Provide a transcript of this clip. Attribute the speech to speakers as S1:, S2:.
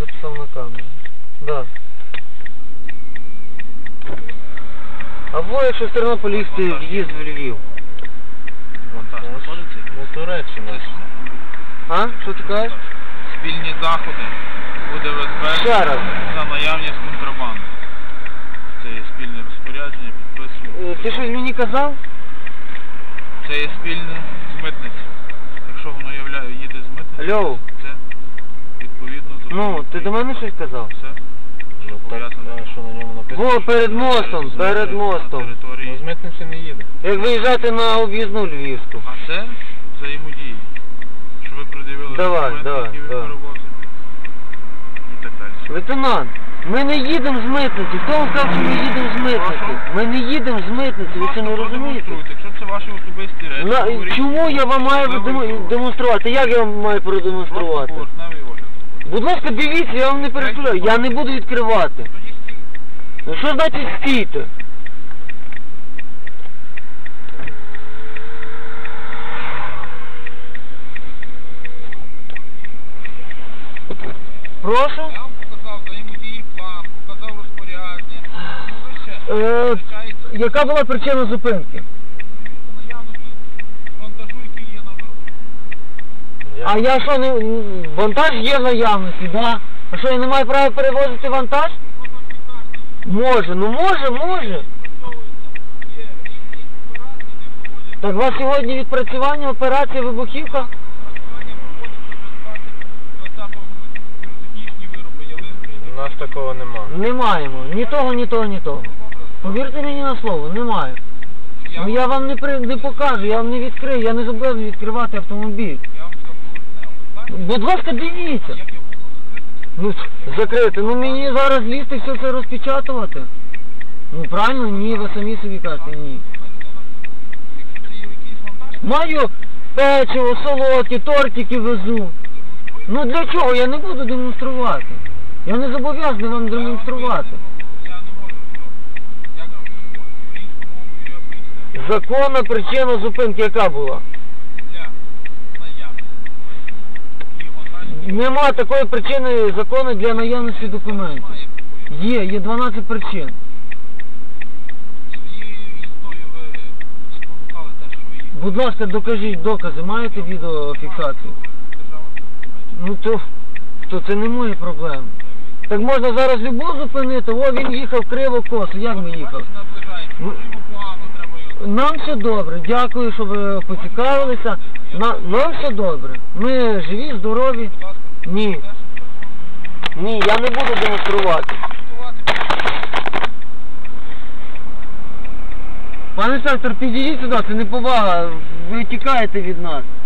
S1: записав на камеру. Да. Або якщо з Тернополя їхати в'їзд в Львів.
S2: Монтаж знаходиться?
S1: Ну, Туреччина. А? Що ти кажеш?
S2: Спільні заходи буде
S1: Ще раз.
S2: за наявність контрабанди. Це є спільне розпорядження, підписуємо.
S1: Ти щось мені казав?
S2: Це є спільне з митниці. Якщо воно їде з митниці,
S1: Алло.
S2: це відповідно до...
S1: Ну, ти до мене щось казав?
S2: Все.
S3: Ну так, що на ньому написано?
S1: Во, перед мостом, перед мостом.
S3: Ну, з митниці не їде.
S1: Як виїжджати на об'їзну Львівську.
S2: А це взаємодії. Що ви пред'явили документи, які ви перевозите. І так далі.
S1: Лейтенант, ми не їдемо з митниці. Хто вам сказав, що ми їдемо з митниці? Ми не їдемо з митниці, ви це не розумієте?
S2: Якщо це ваші особисті речі,
S1: чому я вам маю демонструвати? Як я вам маю продемонструвати? Будь ласка, дивіться, я вам не перекриваю. Я не буду відкривати. Ну що значить стійте? Прошу?
S2: Я вам показав взаємодії план, показав розпорядження.
S1: Яка була причина зупинки?
S2: Наявності вантажу, який є на виробі.
S1: А я що, не... вантаж є в наявності, да? А що, я не маю права перевозити вантаж? Може, ну може. Так у вас сьогодні відпрацювання, операція, вибухівка?
S3: У нас такого нема.
S1: Не маємо. Ні того, ні того, ні того. Повірте мені на слово, немає. Ну я вам не покажу, я вам не відкрию, я не зобов'язаний відкривати автомобіль. Будь ласка, дивіться. Ну, закрити. Ну мені зараз лізти все це розпечатувати. Ну правильно, ні, ви самі собі кажете, ні. Маю печиво, солодкі, тортики везу. Ну для чого? Я не буду демонструвати. Я не зобов'язаний вам демонструвати. Законна причина зупинки яка була? Нема такої причини закону для наявності документів. Є 12 причин. Будь ласка, докажіть докази, маєте відеофіксацію? Ну то це не мої проблеми. Так можна зараз любов зупинити, о він їхав криво-косо, як ми їхали? Нам все добре, дякую, що ви поцікавилися. Нам все добре. Ми живі, здорові. Ні, я не буду демонструвати. Пане інспектор, підійдіть сюди, це неповага, ви тікаєте від нас.